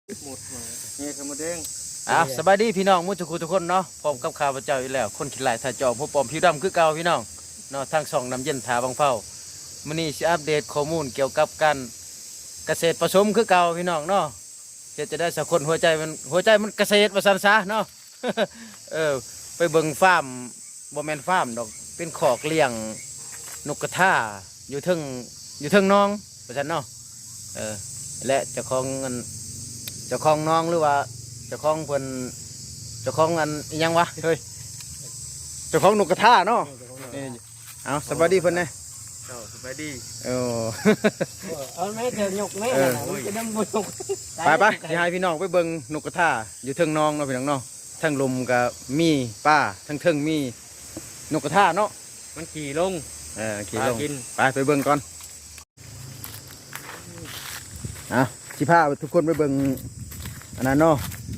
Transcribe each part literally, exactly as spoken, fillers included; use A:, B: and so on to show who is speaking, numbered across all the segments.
A: หมดมาเนี่ยขมดแดง
B: อ่ะสบายดีพี่น้องมุทุกทุกคนเนาะพร้อมกับข่าวพระเจ้าอยู่แล้วคนขี้หลายถ่ายจอผู้ปลอมผิวดำคือเก่าพี่น้องเนาะทางสองน้ำเย็นถาบางเฝ้ามื้อนี้สิอัปเดตข้อมูลเกี่ยวกับการเกษตรผสมคือเก่าพี่น้องเนาะเฮ็ดจะได้สักคนหัวใจมันหัวใจมันเกษตรว่าซั่นซะเนาะ เออไปเบิ่งฟาร์มบ่แม่นฟาร์มดอกเป็นคอกเลี้ยงนกกระทาอยู่เทิงอยู่เทิงน้องว่าซั่นเนาะเออและเจ้าของเงินเจ้าของน้องหรือว่าเจ้าของเพิ่นเจ้าของอันอิหยังวะเฮ้ยเจ้าของนกกระทาเนาะนี่เอาสบายดีเพิ่นนะ
A: เจ้าสบายดี
B: โอ้
C: เอาแม่เธอยกแม่น่ะมันจะนำบ่ยก
B: ไปไปสิให้พี่น้องไปเบิ่งนกกระทาอยู่เทิงน้องเนาะพี่น้องเนาะทั้งลมกับมีป้าทั้งเทิงมีนกกระทาเนาะ
A: มันขี่ลง
B: เออขี่ลง
A: พากิน
B: ไปไปเบิ่งก่อนอ่ะสิพาทุกคนไปเบิ่งอันนั้นเนาะ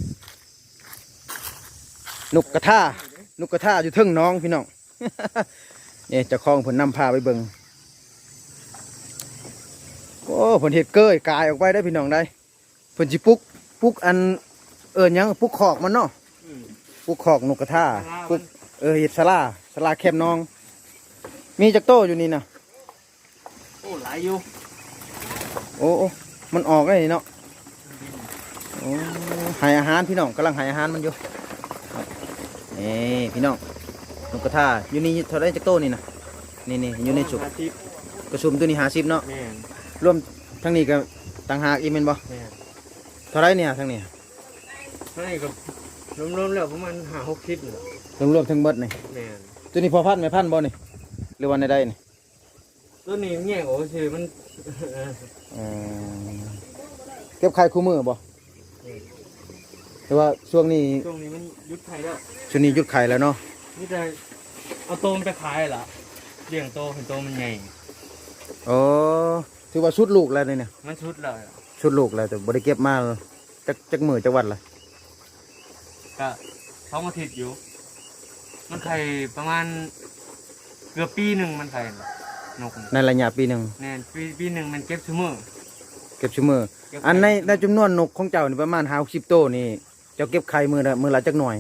B: นกกระทานกกระทาอยู่เทิงน้องพี่น้อง นี่เจ้าของผลนำพาไปเบิ่งโอ้ผลเห็ดเกยกายออกไปได้พี่น้องได้ผลจิปุกปุกอันเออยังปุกขอกมันเนาะปุกขอกนกกระทาปุกเออเห็ดสลาสลาแคบน้อง มีจักโตอยู่นี่นะ
A: โอ้หลายอยู่
B: โอ้โอ้มันออกได้เนาะโอ้ใหายอาหารพี่น้องกำลังใหายอาหารมันอยู่นี่พี่น้องนกกระทาอยู่นี่เท่าไรจักโตนี่นะนี่นี่อยู่ในจุก
A: อาทิตย์
B: กระชุมตัวนี้หาสิบเนาะ
A: แม่น
B: รวมทั้งนี้ก็ต่างหากอีกเป็นบ่
A: แม่น
B: เท่าไรเนี่ยทั้งนี้
A: ให้กับรวมๆแล้วประมาณห้าหกทิศน่ะ
B: รวมรวมทั้งเบิดนี่
A: แม่น
B: ตัวนี้พอพันไม่พันบ่นี่หรือวันใดๆนี่
A: ตัวนี้แง่โอ้ชื่อมัน
B: เออเก็บไข่คู่มือบ่แต่ว่าช่วงนี้
A: ช่วงนี้มันยุดไทยแล้ว
B: ช่วงนี้หยุดไข่แล้วเนาะ
A: นี่แต่เอาโตมันไปขายล่ะเลี้ยงโตเห็นโตมันใหญ่
B: อ๋อถือว่าชุดลูกแล้วนี่เนี่ย
A: มันชุดเลย
B: ชุดลูกแล้วแต่บ่ได้เก็บมาจักจักมือจักวันละ
A: ก็สองอาทิตย์อยู่ มันไข่ประมาณเกือบปีหนึ่งมันไข่น่ะนก
B: ในระยะปีหนึ่ง
A: แน่นปีปีหนึ่งมันเก็บชั่วโมง
B: เก็บชั่วมืออันในในจำนวนนกของเจ้านี่ประมาณห้าสิบโตวนี่เจ้าเก็บไข่มือละมือละจักหน่อย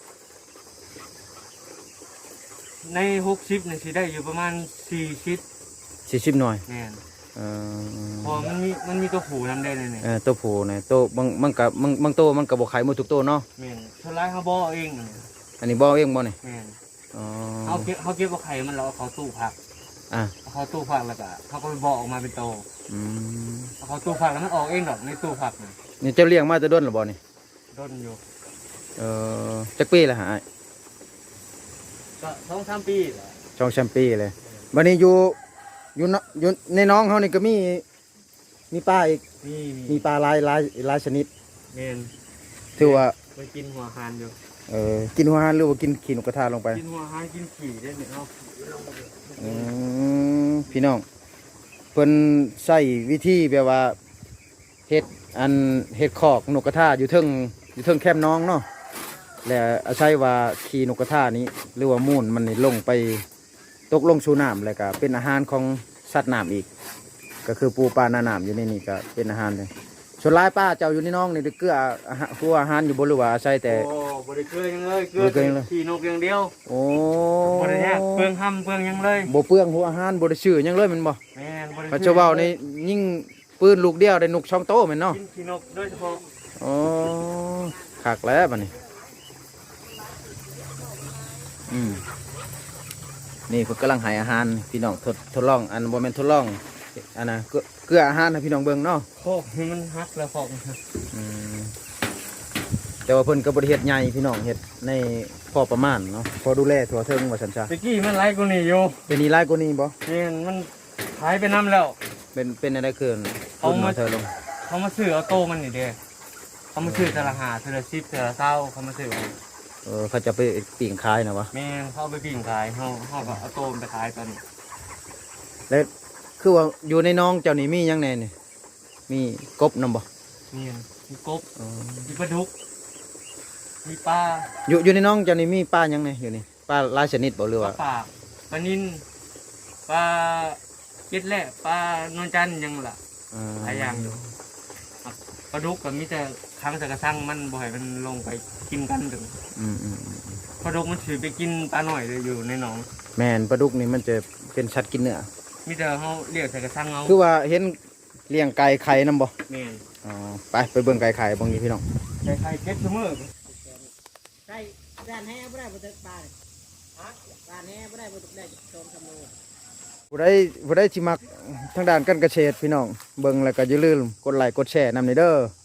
A: ในหกสิบเนี่ยสิได้อยู่ประมาณสี่ชิด
B: สี่สิบหน่อย
A: แน่น
B: เออ
A: พอมันมีมันมีตัวผูนำได้เลยเนี่ย
B: เออตัวผู้เนี่ยตัวบางมันกับบางบางตัวมันกับบ่ไข่หมดทุกตัวเนาะ
A: แม่นเท่าไรเขาบอกเองเนี่ย
B: อันนี้บ่เองบ่นี่
A: แม่น
B: อ๋อ
A: เขาเก็บเขาเก็บเอาไข่มันแล้วเอาเขาตู้ผัก
B: อ่ะ
A: เอาเขาตู้ผักแล้วก็เขาก็ไปบอกออกมาเป็นโต
B: อืม
A: เอาเขาตู้ผักแล้วมันออกเองดอกในตู้ผักเนี่ย
B: นี่เจ้าเลี้ยงมาแต่ด้นหรือบ่นี่
A: ต้นอยู่
B: เออจักปีละหา
A: ก็สองสามปีแหละ
B: ช่องแชมปีเลยบัดนี้อยู่อยู่เนาะอยู่ในน้องเฮานี่ก็มีมีปลาอีก
A: นี่
B: มีปลาหลายหลายหลายชนิด
A: แม่น
B: ถือว่า
A: ไปกินหัวหานอยู่
B: เออกินหัวอาหารหรือว่ากินขี้นกกระทาลงไป
A: กินหัวหานกินขี่ได้เนี่ยเอา
B: อืมพี่น้องเพิ่นใช้วิธีแบบว่าเฮ็ดอันเฮ็ดคอกนกกระทาอยู่เทิงอยู่เทิงแคมป์น้องเนาะแล้วอาศัยว่าขี้นกกระทานี้หรือว่ามูลมันนี่ลงไปตกลงสู่น้ำแล้วก็เป็นอาหารของสัตว์น้ำอีก ก็คือปูปลาหน้าน้ำอยู่ในนี่ก็เป็นอาหารเลยส่วนหลายป้าเจ้าอยู่ในน้องนี่ได้เกลืออาหารครัวอาหารอยู่บนหรือว่าอาศัยแต่
A: โอ้บริเกลือยังเลยเกลื
B: บ่ได้เกลือยังเลย
A: ขี่นกอย่างเดียว
B: โอ้
A: บริเนี่ยเปลืองห้ำเปลืองหยังเลย
B: บ่เปลืองหัวอาหารบ่ได้ชื่อหยังเลยแมันบ่
A: แม่นบริ
B: พระเจ้าเว้าในยิ่งปืนลูกเดียวได้นกช่องโตแม่นเนาะ
A: กินขี่นกโดยเฉพาะ
B: อ๋อคักแล้วบัดนี้อืมนี่เพิ่นกำลังให้อาหารพี่น้องทดทดลองอันบ่แม่นทดลองอันน่ะเกลือเกลืออาหารให้พี่น้องเบิ่งเนาะ
A: โคกนี่มันฮักแล้วฟอกมันฮัก
B: อืมแต่ว่าเพิ่นก็บ่ได้เฮ็ดใหญ่พี่น้องเฮ็ดในพอประมาณเนาะพอดูแลทั่วถึงว่าซั่นซะ
A: ตะกี้มันไล่กูนี่อยู่
B: เป็นนี่หลายกว่านี้บ่
A: แม่นมันหายไปน้ำแล้ว
B: เป็นเป็นอะไรเกิน
A: เอา
B: รุ่น
A: มา
B: มาเธอลง
A: เขามาซื้อเอาโตมันนี่เด้เขามาซื้อแต่ละหาแต่ละสิบแต่ละเศร้าเขามาซื้อเอา
B: เออเขาจะไปปิ่งขายนะวะ
A: แม่นเขาเอาไปปิ้งขายเขาเขาก็เอาโตมันไปขายตอนนี้
B: แล้วคือว่าอยู่ในน้องเจ้านี่มีหยังแน่นี่มีกบนำบ่
A: นี่มีกบ
B: อ๋อ
A: มีปลาดุกมีปลา
B: อยู่อยู่ในน้องเจ้านี่มีปลาหยังแน่อยู่นี่ปลาหลายชนิดบ่หรือ
A: ปลา
B: ว่า
A: ปากปลานินปลาเก็ดแหละปลานวลจันทร์ยังล่ะ
B: อ่า
A: หลายอย่างอยู่ปลาดุกก็มีแต่ค้างใส่กระชังมันบ่ให้มันลงไปกินกันถึง
B: อืมอืมอืม
A: ปลาดุกมันถือไปกินปลาหน่อยเลยอยู่ในหนอง
B: แม่นปลาดุกนี่มันจะเป็นสัตว์กินเนื้อ
A: มีแต่เขาเรียกใส่กระชังเอา
B: คือว่าเห็นเลี้ยงไก่ไข่นํบ่
A: แม่น
B: อ๋อไปไปเบิ่งไก่ไข่บางทีพี่น้อง
A: ใส่ไข่เก็บเสมอ
C: ใช่ด้านแห่บ่ได้บ่ถึกปลาเลยฮะด้านแห่บ่ได้บ่ถึกได้โจมขโมย
B: ผู้ใดผู้ใดสิมักทางด้านการเกษตรพี่น้องเบิ่งแล้วก็อย่าลืมกดไลค์กดแชร์นำในเด้อ